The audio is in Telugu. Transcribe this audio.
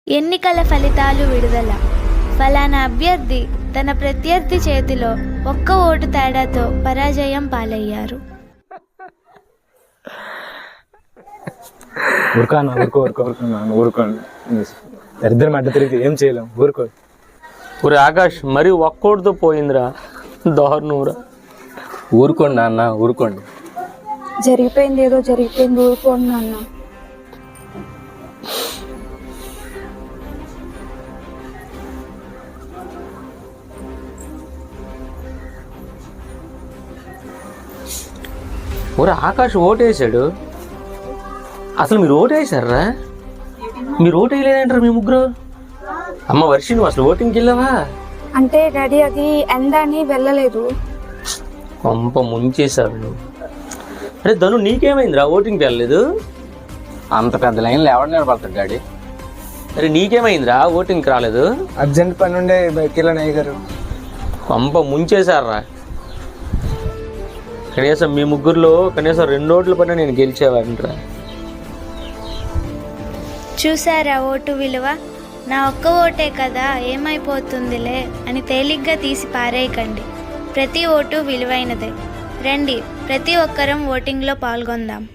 ఎన్నికల ఫలితాలు విడుదల. ఫలానా అభ్యర్థి తన ప్రత్యర్థి చేతిలో ఒక్క ఓటు తేడాతో పరాజయం పాలయ్యారు. దరిద్రం అడ్డ తిరిగి ఏం చేయలేం. ఊరుకో. ఊరి ఆకాష్ మరి ఒక్కోటితో పోయిందిరా, దారుణంరా. ఊరుకోండి నాన్న, ఊరుకోండి. జరిగిపోయింది ఏదో జరిగిపోయింది, ఊరుకోండి నాన్న. ఊరి ఆకాష్ ఓటేసాడు. అసలు మీరు ఓటేసారా? మీరు ఓటు వేయలేదంటారు మీ ముగ్గురు. అమ్మ వర్షి, నువ్వు అసలు ఓటింగ్కి వెళ్ళావా? అంటే డాడీ అది ఎండ అని వెళ్ళలేదు. కొంప ముంచేశావు నువ్వు. అరే ధను, నీకేమైందిరా ఓటింగ్కి వెళ్ళలేదు? అంత పెద్ద లైన్లో ఎవరు నిలబడతాడు డాడీ? అరే నీకేమైందిరా ఓటింగ్కి రాలేదు? అర్జెంట్ పని ఉండే బయటికి వెళ్ళాను అయ్యగారు. కొంప ముంచేశారా. కనీసం మీ ముగ్గురులో కనీసం 2 ఓట్ల పైన నేను గెలిచేవాడిరా. చూసారా ఓటు విలువ? నా ఒక్క ఓటే కదా, ఏమైపోతుందిలే అని తేలిగ్గా తీసి పారేయకండి. ప్రతి ఓటు విలువైనదే. రండి, ప్రతి ఒక్కరం ఓటింగ్లో పాల్గొందాం.